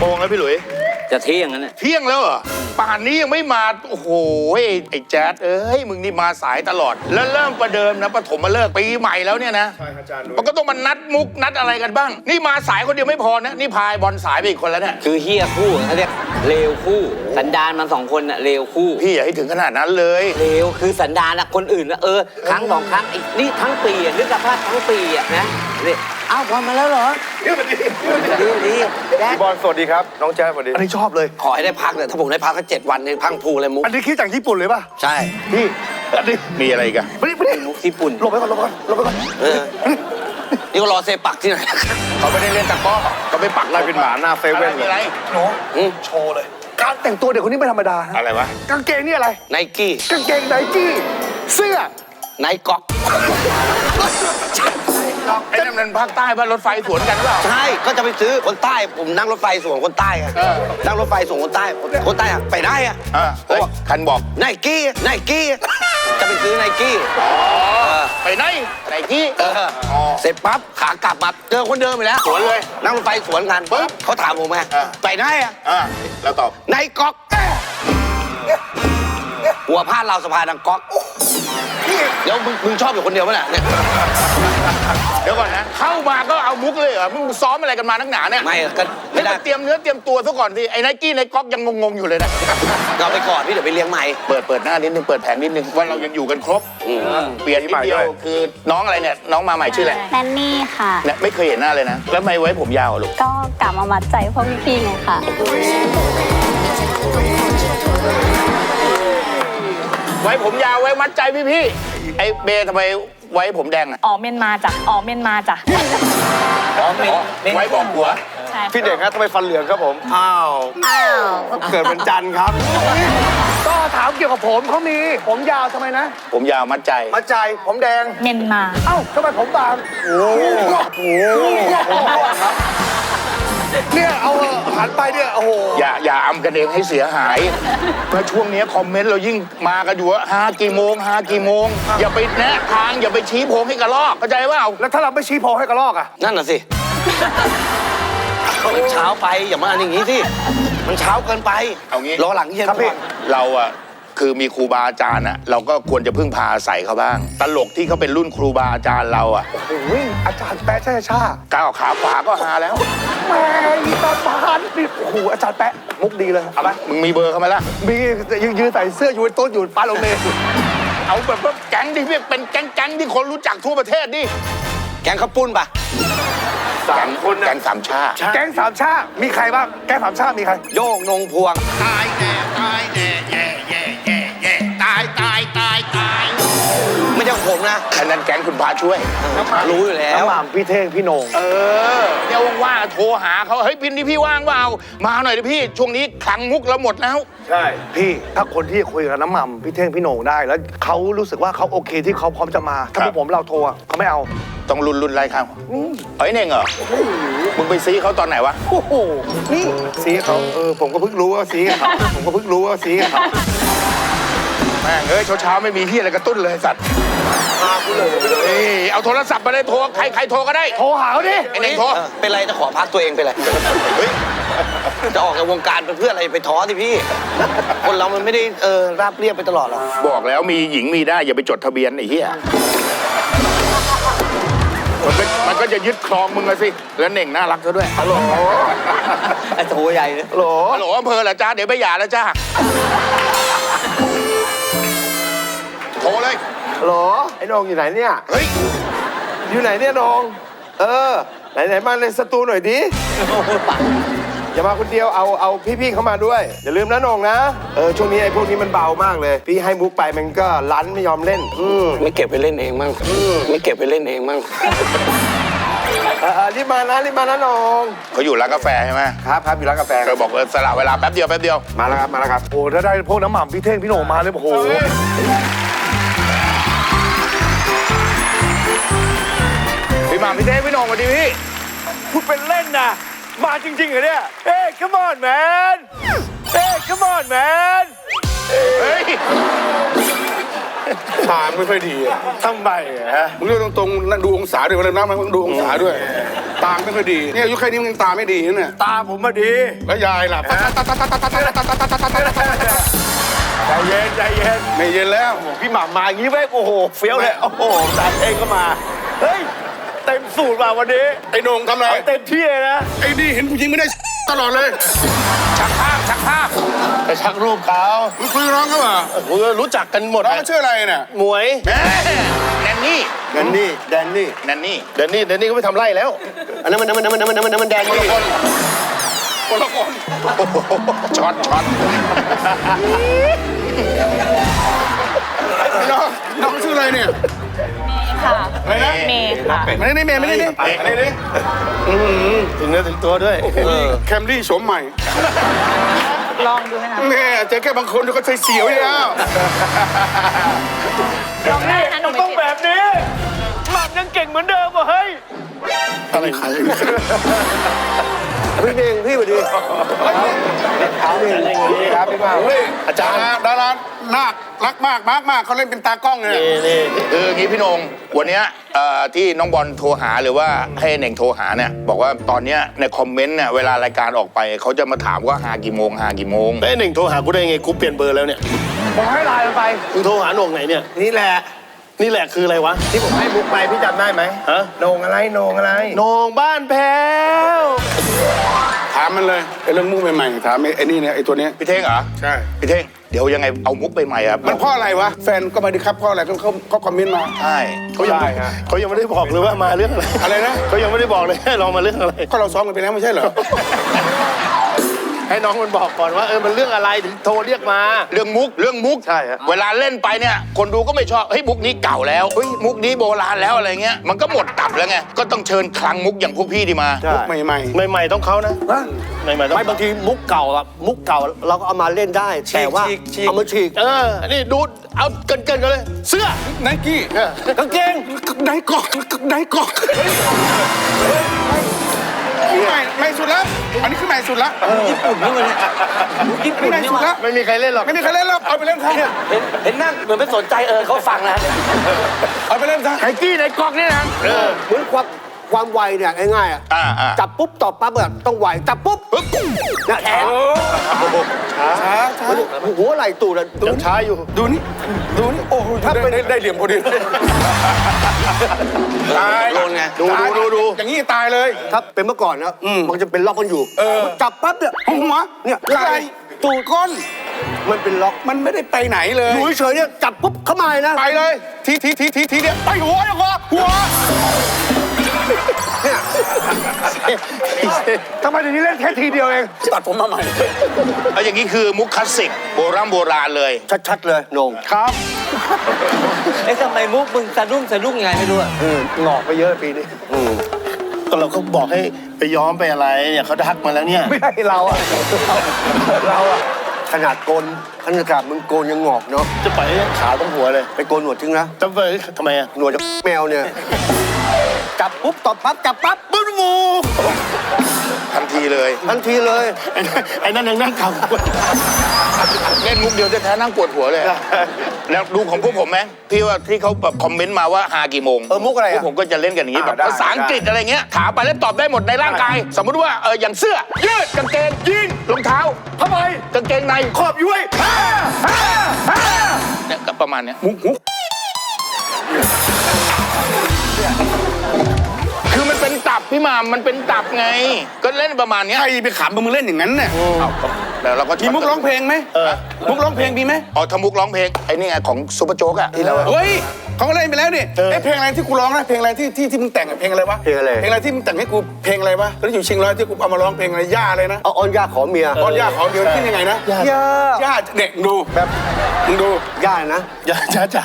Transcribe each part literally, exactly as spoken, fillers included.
งแล้วพี่หลุยจะเที่ยงแล้วเนี่ยเที่ยงแล้วเหรอป่านนี้ยังไม่มาโอ้โหไอ้แจ๊ดเอ้ยมึงนี่มาสายตลอดแล้วเริ่มประเดิมนะปฐมมาเลิกปีใหม่แล้วเนี่ยนะใช่ครับอาจารย์มันก็ต้องมานัดมุกนัดอะไรกันบ้างนี่มาสายคนเดียวไม่พอนะนี่พายบอลสายไปอีกคนแล้วเนี่ยคือเฮียคู่เขาเรียกเลวคู่สันดานมันสองคนน่ะเลวคู่พี่อย่าให้ถึงขนาดนั้นเลยเลวคือสันดานนะคนอื่นนะเออครั้งสองครั้งอีกนี่ทั้งปีอ่ะนึกสภาพทั้งปีอ่ะนะเนี่ยอ้าวบอลมาแล้วเหรอดีดีดีดีบอลสวัสดีครับน้องแจ๊สสวัสดีอันนี้ชอบเลยขอให้ได้พักเนี่ยถ้าผมได้พักก็เจ็ดวันเนี่ยพังพูเลยมุกอันนี้คิดจากญี่ปุ่นเลยป่ะใช่พี่อันนี้มีอะไรกันไม่ได้ไม่ได้มุกญี่ปุ่นหลบไปก่อนหลบไปก่อนหลบไปก่อนเออนี่ก็รอเซปักที่ไหนเขาไม่ได้เล่นตะก้อเขาไปปักไล่เป็นหมาหน้าเซเว่นเลยโน้โชว์เลยการแต่งตัวเด็กคนนี้ไม่ธรรมดาอะไรวะกางเกงนี่อะไรไนกี้กางเกงไนกี้เสื้อไนก๊อกไอ้นั่นมันภาคใต้บ้านรถไฟสวนกันหรือเปล่าใช่ก็จะไปซื้อคนใต้ผมนั่งรถไฟสวนคนใต้ไงนั่งรถไฟสวนคนใต้คนใต้อะไปได้อะคันบอกไนกี้ไนกี้จะไปซื้อไนกี้ไปไหนไนกี้เสร็จปั๊บขากลับมาเจอคนเดิมไปแล้วสวนเลยนั่งรถไฟสวนกันปุ๊บเขาถามผมไงไปไหนอะแล้วตอบไนก๊อกหัวพาดเราสะพานดังก๊อกแล้วมึงมึงชอบอยู่คนเดียวมั้ยเนี่ยเดี๋ยวก่อนนะเข้ามาก็เอามุกเลยเหรอมึงซ้อมอะไรกันมานักหนาเนี่ยไม่ก็ไม่ได้เตรียมเนื้อเตรียมตัวซะก่อนสิไอ้ไนกี้ไนก๊อกยังงงๆอยู่เลยนะเราไปก่อนพี่เดี๋ยวไปเลี้ยงใหม่เปิดเปิดหน้านิดนึงเปิดแผงนิดนึงว่าเรายังอยู่กันครบเปลี่ยนนิดเดียวคือน้องอะไรเนี่ยน้องมาใหม่ชื่ออะไรแนนนี่ค่ะเนี่ยไม่เคยเห็นหน้าเลยนะแล้วทำไมไว้ผมยาวลูกก็กลับมามัดใจพวกพี่ๆไงค่ะไว้ผมยาวไว้มัดใจพี่ๆไอ้เบทำไมไว้ผมแดงอ่ะอ๋อเมนมาจ้ะอ๋อเมนมาจ้ะอ๋อเมนไว้บอกหัวพี่เด็กครับทำไมฟันเหลืองครับผมอ้าวอ้าวเกิดเป็นจันครับก็ถามเกี่ยวกับผมเขามีผมยาวทำไมนะผมยาวมัดใจมัดใจผมแดงเมนมาเอ้าทำไมผมบางโอ้โหเนี่ยเอาหันไปเนี่ยโอ้โหอย่าอย่าอำกันเองให้เสียหายเมื่อช่วงนี้คอมเมนต์เรายิ่งมากันอยู่ว่าหากี่โมงหากี่โมงอย่าไปแนะทางอย่าไปชี้โพงให้กระลอกเข้าใจว่าแล้วถ้าเราไม่ชี้โพงให้กระลอกอ่ะนั่นน่ะสิมันเช้าไปอย่ามาอย่างนี้สิมันเช้าเกินไปเอางี้รอหลังเย็นครับพี่เราอะคือมีครูบาอาจารย์อะเราก็ควรจะพึ่งพาอาศัยเขาบ้างตลกที่เขาเป็นรุ่นครูบาอาจารย์เราอะโอ้โหอาจารย์แปะช่ชาก้าวขาขวาก็หาแล้วแม่อีตาบานนี่โอ้โหอาจารย์แปะมุกดีเลยเอาไหมมึงมีเบอร์เขาไหมล่ะมียืนยืนใส่เสื้ออยู่ต้นอยู่ป้าโรงเรียนเอาแบบว่าแก๊งที่เป็นแก๊งแก๊งที่คนรู้จักทั่วประเทศดิแก๊งข้าวปุ้นปะสามคนแก๊งสามชาแก๊งสามชามีใครบ้างแก๊งสามชามีใครโยงนงพวงตายแน่ตายแน่แย่แย่แย่แย่ตายตายตายตายไม่ใช่ของผมนะอันนั้นแก๊งคุณพาช่วยรู้อยู่แล้วน้ำหม่ำพี่เท่งพี่โหน่งเออเดี๋ยวว่างๆโทรหาเขาเฮ้ยพินที่พี่ว่างเปล่ามาหน่อยดิพี่ช่วงนี้คลังมุกเราหมดแล้วใช่พี่ถ้าคนที่คุยกับน้ำหม่ำพี่เท่งพี่โหน่งได้แล้วเขารู้สึกว่าเขาโอเคที่เขาพร้อมจะมาถ้าพวกผมเราโทรเขาไม่เอาต้องรุนรุนไรครับเฮ้ยเน่งเหรอมึงไปซีเขาตอนไหนวะโอ้โหนี่ซีเขาเออผมก็เพิ่งรู้ว่าซีเขาผมก็เพิ่งรู้ว่าซีเขาแม่งเอ้ยเช้าๆไม่มีที่อะไรกระตุ้นเลยสัตว์มากูเลยเอาโทรศัพท์มาเลยโทรใครใครโทรก็ได้โทรหาเขาดิไอ้เน่งโทรเป็นไรจะขอพักตัวเองเป็นไรเฮ้ยจะออกจากวงการเป็นเพื่ออะไรไปท้อสิพี่คนเรามันไม่ได้เออราบเรียบไปตลอดหรอกบอกแล้วมีหญิงมีได้อย่าไปจดทะเบียนไอ้เหี้ยมันก็มันก็จะยึดครองมึงเลยสิแล้วเน่งน่ารักซะด้วยฮัลโหลไอ้โถใหญ่เลยฮัลโหลฮัลโหลอำเภอเหรอจ้าเดี๋ยวไปหย่าแล้วจ้าโทรเลยฮัลโหลไอ้น้องอยู่ไหนเนี่ยเฮ้ยอยู่ไหนเนี่ยน้องเออไหนไหนมาในสตูหน่อยดิอย่ามาคนเดียวเอาเอาพี่ๆเข้ามาด้วยอย่าลืมนะน้องนะเออช่วงนี้ไอ้พวกนี้มันเบามากเลยพี่ให้มุกไปมันก็รั้นไม่ยอมเล่นอืมไม่เก็บไปเล่นเองมั่งไม่เก็บไปเล่นเองมั่งเออรีบมานะรีบมานะน้องเขาอยู่ร้านกาแฟใช่ไหมครับครับอยู่ร้านกาแฟเคยบอกเออสละเวลาแป๊บเดียวแป๊บเดียวมาแล้วครับมาแล้วครับโอ้ถ้าได้พวกน้ำหม่ำพี่เท่งพี่โหน่งมาเลยโอ้โหพี่หม่ำพี่เท่งพี่โหน่งสวัสดีพี่พูดเป็นเล่นนะมาจริงๆเหรอเนี่ยเฮ้ย come on man เฮ้ย come on man เฮ้ยทางไม่ค่อยดีทำไมฮะมึงเรื่องตรงๆดูองศาด้วยวันนั้นนะมึงดูองศาด้วยตาไม่ค่อยดีเนี่ยอายุแค่นี้มันยังตาไม่ดีนะเนี่ยตาผมมาดีแล้วยายล่ะใจเย็นใจเย็นไม่เย็นแล้วพี่หม่ำมาอย่างนี้เว้ยโอ้โหเฟี้ยวเลยโอ้โหสายเพลงก็มาเฮ้ยเต็มสูตรมาวันนี้ไอ้โหน่งทำอะไรเอาเต็มที่เลยนะไอ้นี่เห็นผู้หญิงไม่ได้ตลอดเลยชักภาพชักภาพไปชักรูปเขามึงคุยกับน้องเขาเหรอโอ้โหรู้จักกันหมดน้องเขาชื่ออะไรเนี่ยหมวยแหมแนนนี่แดนนี่แดนนี่แนนนี่แดนนี่แดนนี่ก็ไม่ทำไร่แล้วอันนั้นมันมันมันมันมันมันแดนนี่คนละคนช็อตช็อตน้องน้องเขาชื่ออะไรเนี่ยค่ะอะไรนะเมย์ค่ะไม่ได้เมย์ไม่ได้นี่ไม่ได้นี่ถึงเนื้อถึงตัวด้วยแคมรี่โฉมใหม่ลองดูไหมคะแม่เจอแค่บางคนก็ใจเสียวอยู่แล้วลองได้นะหนูไม่ต้องผิดแบบนี้หม่ำยังเก่งเหมือนเดิมว่ะเฮ้ยอะไรใครพี่เองพี่สวัสดีครับพี่ครับพี่มาอาจารย์ดารานาครักมากมากมากเขาเล่นเป็นตากล้องเลยนี่คืออย่างนี้พี่นงวันเนี้ยเอ่อที่น้องบอลโทรหาหรือว่าให้เน่งโทรหาเนี่ยบอกว่าตอนเนี้ยในคอมเมนต์เนี่ยเวลารายการออกไปเขาจะมาถามว่าหากี่โมงหากี่โมงไอ้หนึ่งโทรหากูได้ไงกูเปลี่ยนเบอร์แล้วเนี่ยบอกให้ไลน์มันไปมึงโทรหาโหน่งไหนเนี่ยนี่แหละนี่แหละคืออะไรวะที่ผมให้บุ๊กไปพี่จำได้ไหมฮะโหน่งอะไรโหน่งอะไรโหน่งบ้านแพ้วถามมันเลยไอ้เรื่องมุกใหม่ๆถามไอ้ไอ้นี่เนี่ยไอ้ตัวเนี้ยพี่เท่งเหรอใช่พี่เท่งเดี๋ยวยังไงเอามุกไปใหม่อะมันเพราะอะไรวะแฟนก็มาดีครับเพราะอะไรเขาเขาเขาคอมเมนต์มาใช่เขายังไม่เขายังไม่ได้บอกเลยว่ามาเรื่องอะไรอะไรนะเขายังไม่ได้บอกเลยให้ลองมาเรื่องอะไรก็เราซ้อมกันไปแล้วไม่ใช่เหรอให้น้องมันบอกก่อนว่าเออมันเรื่องอะไรถึงโทรเรียกมาเรื่องมุกเรื่องมุกใช่ฮะเวลาเล่นไปเนี่ยคนดูก็ไม่ชอบเฮ้ยมุกนี้เก่าแล้วเฮ้ยมุกนี้โบราณแล้วอะไรเงี้ยมันก็หมดตับแล้วไงก็ต้องเชิญคลังมุกอย่างพวกพี่ดีมาใช่ใหม่ใหม่ใหม่ๆต้องเขานะใหม่ๆต้องไม่บางทีมุกเก่าอะมุกเก่าเราก็เอามาเล่นได้ แต่ว่าเอามาฉีกเออนี่ดูเอาเกินเกินๆกันเลย เสื้อไนกี้กางเกงไนกอกไนกอกใหม่ใหม่สุดแล้วอันนี้คือใหม่สุดแล้วญี่ปุ่นนี่มันญี่ปุ่นใหม่นี่สุดมันแล้วไม่มีใครเล่นหรอกไม่มีใครเล่นแล้วเอาไปเล่นเขาเห็นเห็นนั่งเหมือนไม่สนใจเออเขาฟังนะเอาไปเล่นซะไอ้กี้ในกล่องนี่นะเออเหมือนความความไวเนี่ยง่ายๆอะอ่าอ่าจับปุ๊บตอบปั๊บอะต้องไวจับปุ๊บปึ๊บเนี่ยแขนช้าช้าหัวไหล่ตูดอะยังช้าอยู่ดูนี่ดูนี่โอ้โหถ้าเป็นได้เหลี่ยมพอดีตายโดนไงดูดูดูดูอย่างนี้ตายเลยถ้าเป็นเมื่อก่อนนะมันจะเป็นล็อกกันอยู่เออจับปั๊บเนี่ยหัวเนี่ยไหล่ตูดก้นมันเป็นล็อกมันไม่ได้ไปไหนเลยอยู่เฉยๆเนี่ยจับปุ๊บเข้ามาเลยนะไปเลยทีทีทีทีทีเดียวไปหัวหัวหัวทำไมเดี๋ยวนี้เล่นแค่ทีเดียวเองตัดผมมาใหม่เอาอย่างนี้คือมุกคลาสสิกโบราณโบราณเลยชัดๆเลยโหนงครับไอ้ทำไมมุกมึงสะดุ้งสะดุ้งยังไงไม่รู้อะหงอกไปเยอะปีนี้ก็เราก็บอกให้ไปย้อมไปอะไรเนี่ยเขาทักมาแล้วเนี่ยไม่ให้เราอะเราอะขนาดโกนขนาดมึงโกนยังงอกเนาะจะปล่อยให้ขาวต้องหัวเลยไปโกนหนวดทิ้งนะจะไปทำไมอ่ะหนวดจากแมวเนี่ย จับปุ๊บตอบปั๊บจับปั๊บปุ๊บงูทันทีเลยทันทีเลยไอ้นั่นไอ้นั่นยังนั่งขำเล่นมุกเดียวจะแท้ๆนั่งปวดหัวเลย แล้วดูของพวกผมไหมที่ว่าที่เขาแบบคอมเมนต์มาว่าหากี่โมงเออมุกอะไรพวอะกผมก็จะเล่นกันอย่างนี้แบบอ่าได้ภาษาอังกฤษอะไรเงี้ยถามไปแล้วตอบได้หมดในร่างกาย สมมุติว่าเอออย่างเสื้อยืดกางเกงยีนรองเท้าผ้าใบกางเกงในขอบย้วยฮ่าฮ่าฮ่าเนี่ยก็ประมาณเนี้ยมุกมุกคือมันเป็นตับพี่หมามมันเป็นตับไง ก็เล่นประมาณเนี้ยใครไปขำมึงเล่นอย่างนั้นเนี่ยเอาแล้วเราก็มีมุกร้องเพลงไหมมุกร้องเพลงมีไหมอ๋อทำมุกร้องเพลงไอ้นี่ไงของซุปเปอร์โจ๊กอะที่เราเฮ้ยเขาก็เล่นไปแล้วนี่ไอ้เพลงอะไรที่กูร้องนะเพลงอะไรที่ที่ที่มึงแต่งอะเพลงอะไรวะเพลงอะไรเพลงอะไรที่มึงแต่งให้กูเพลงอะไรวะตอนที่อยู่เชิงร้อยที่กูเอามาร้องเพลงอะไรย่าอะไรนะเอาออนย่าขอเมียตอนย่าขอเดียวขึ้นยังไงนะย่าย่าเด็กดูแบบมึงดูย่านะอย่าจ้าจ้า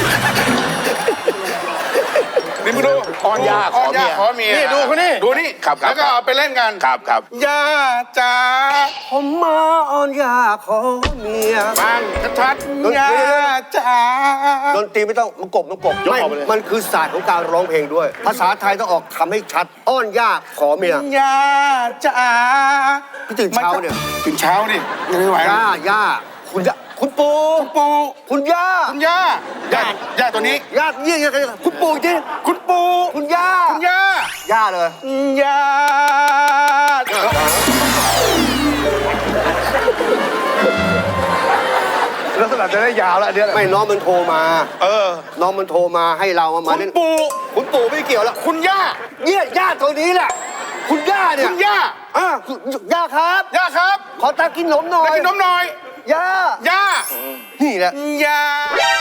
นี่มึงดูอ้อนย่าขอเมียขอเมียนี่ดูเขานี่ดูนี่ครับครับแล้วก็เอาไปเล่นกันครับครับย่าจ๋าผมมาออนย่าขอเมียฟังชัดๆย่าจ๋าดนตรีไม่ต้องมันกบมันกบไม่มันคือศาสตร์ของการร้องเพลงด้วย ภาษาไทยต้องออกคำให้ชัด อ้อนย่าขอเมียย่าจ๋าพี่ตื่นเช้าเนี่ยตื่นเช้าดิยังไม่ไหวย่าย่าคุณย่าคุณปู่คุณปู่คุณย่าคุณย่าย่าย่าตัวนี้ย่าเยี่ยงๆคุณปู่จริงคุณปู่คุณย่าคุณย่าย่าเลยญาติลักษณะจะได้ยาวแล้วอันเนี้ยไม่น้องมันโทรมาเออน้องมันโทรมาให้เรามาคุณเล่นปู่คุณปู่ไม่เกี่ยวแล้วคุณย่าเนี่ยย่าตัวนี้แหละ คุณย่าเนี่ยคุณย่าอ่ะคุณย่าครับย่าครับขอตากินนมหน่อมาย กินนมหน่อยย่าย่านี่แหละย่า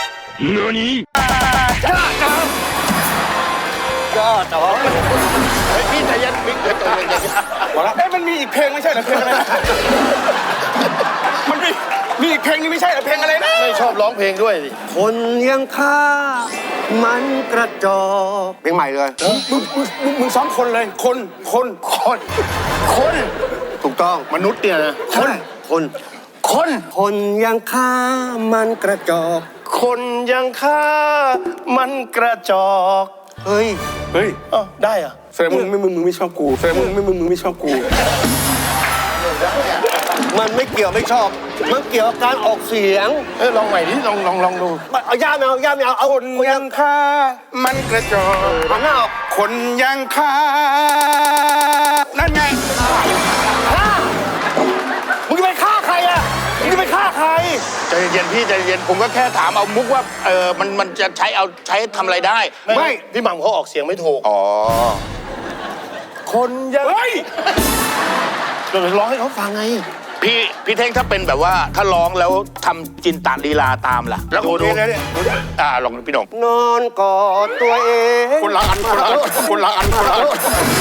ก็แต่ว่าเฮ้ยพี่ใจเย็นพี่เดี๋ยวใจเย็นใจเย็นพอแล้วเอ้ยมันมีอีกเพลงไม่ใช่เหรอเพลงอะไรนะมันมีมีอีกเพลงนี้ไม่ใช่เหรอเพลงอะไรนะไม่ชอบร้องเพลงด้วยสิคนยังฆ่ามันกระจอกเพลงใหม่เลยมึงมึงมึงมึงซ้อมคนเลย คนคนคนคนถูกต้องมนุษย์เนี่ยนะคน คนคนคนยังฆ่ามันกระจอกคนยังฆ่ามันกระจอกเฮ้ยเฮ้ยเอ้าได้เหรอะแสดงมึงไม่มึงมึงไม่ชอบกูแสดงมึงไม่มึงมึงไม่ชอบกูมันไม่เกี่ยวไม่ชอบ มันเกี่ยวกับการออกเสียงเออลองใหม่ดิลองลองลองดูเอาย่าไม่เอาย่าไม่เอาเอาคนคนยัยัง งฆ่ามันกระจอกหันหน้าออกคนยังฆ่านั่นไงมึงจะไปฆ่าใครอ่ะมึงจะไปฆ่าใครใจเย็นพี่ใจเย็นผมก็แค่ถามเอามุกว่าเออมันมันจะใช้เอาใช้ทำอะไรได้ไม่พี่หม่ำเขาออกเสียงไม่ถูกอ๋อคนยังเฮ้ยเดี๋ยวร้องให้เขาฟังไงพี่พี่เท่งถ้าเป็นแบบว่าถ้าร้องแล้วทำจินตลีลาตามล่ะแล้วดูดูอ่าลองพี่หน่องนอนกอดตัวเองคนละอันคนละอันคนละอันคนละอัน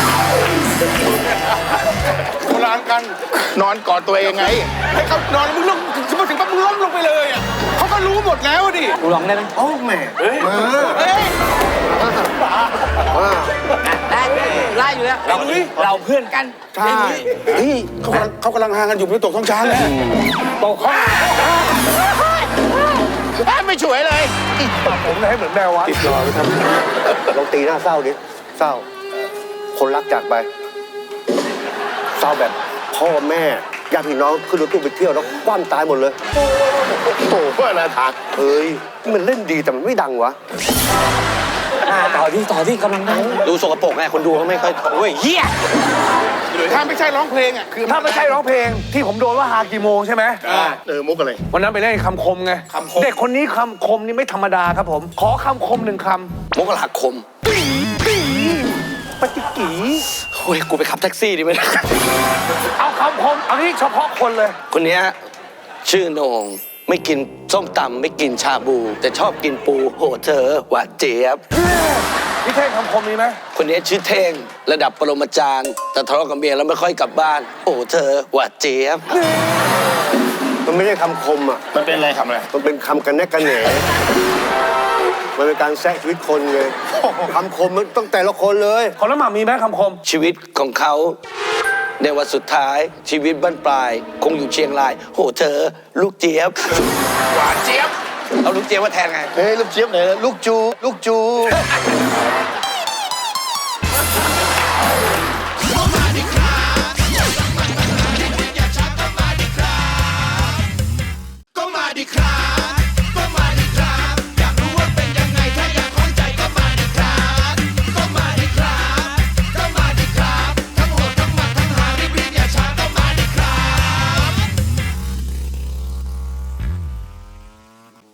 คนละอันกันนอนกอดตัวเองไงให้เขานอนแล้วมึงลงถึงมาถึงปั๊บมึงล้มลงไปเลยอ่ะเขาก็รู้หมดแล้วดิกูร้องได้ไหมโอ้แม่มาเฮ้ยมาได้ไล่อยู่แล้วเราเราเพื่อนกันใช่เฮ้ยเขากำลังเขากำลังห่างกันอยู่ไม่ตกท้องช้างแล้วตกข้อไม่ช่วยเลยผมเลยให้เหมือนแมววะติดรอไปทำลองตีหน้าเศร้าดิ เศร้า คนรักจากไป เศร้าแบบพ่อแม่ญาติพี่น้องขึ้นรถตู้ไปเที่ยวแล้วคว่ำตายหมดเลยโอ้โหเพื่อนอะไรทางเฮ้ย มันเล่นดีแต่มันไม่ดังวะอ่าต่อที่ต่อที่กำลังได้ดูสกปรกไงคนดูเขาไม่ค่อยโอ้ยเฮียถ้าไม่ใช่ร้องเพลงอ่ะคือถ้าไม่ใช่ร้องเพลงที่ผมโดนว่าหากี่โมงใช่ไหมเออมุกอะไรวันนั้นไปเล่นคำคมไงคำคมเด็กคนนี้คำคมนี่ไม่ธรรมดาครับผม ขอคำคมหนึ่งคมกราคมำปฏิกีโอ้ยกูไปขับแท็กซี่ดีไหมเอาคำคมเอาที่เฉพาะคนเลยคนเนี้ยชื่อโหนงไม่กินส้มตำไม่กินชาบู แต่ชอบกินปูโหเธอหวานเจี๊ยบพี่เท่งคำคมนี้ไหมคนนี้ชื่อเท่งระดับปรมาจารย์แต่ทะเลาะกับเมียแล้วไม่ค่อยกลับบ้าน โอ้เธอหวานเจี๊ยบมันไม่ใช่คำคมอ่ะมันเป็นอะไรทำอะไรมันเป็นคำกันแนกกันแหนมันเป็นการแซะชีวิตคนไงคำคมมันต้องแต่ละคนเลยของน้ำหม่ำมีไหมคำคมชีวิตของเขาในวันสุดท้ายชีวิตบั้นปลาย คงอยู่เชียงราย โหเธอ ลูกเจี๊ยบหวานเจี๊ยบเอาลูกเจี๊ยบมาแทนไงเฮ้ยลูกเจี๊ยบไหนลูกจู ลูกจู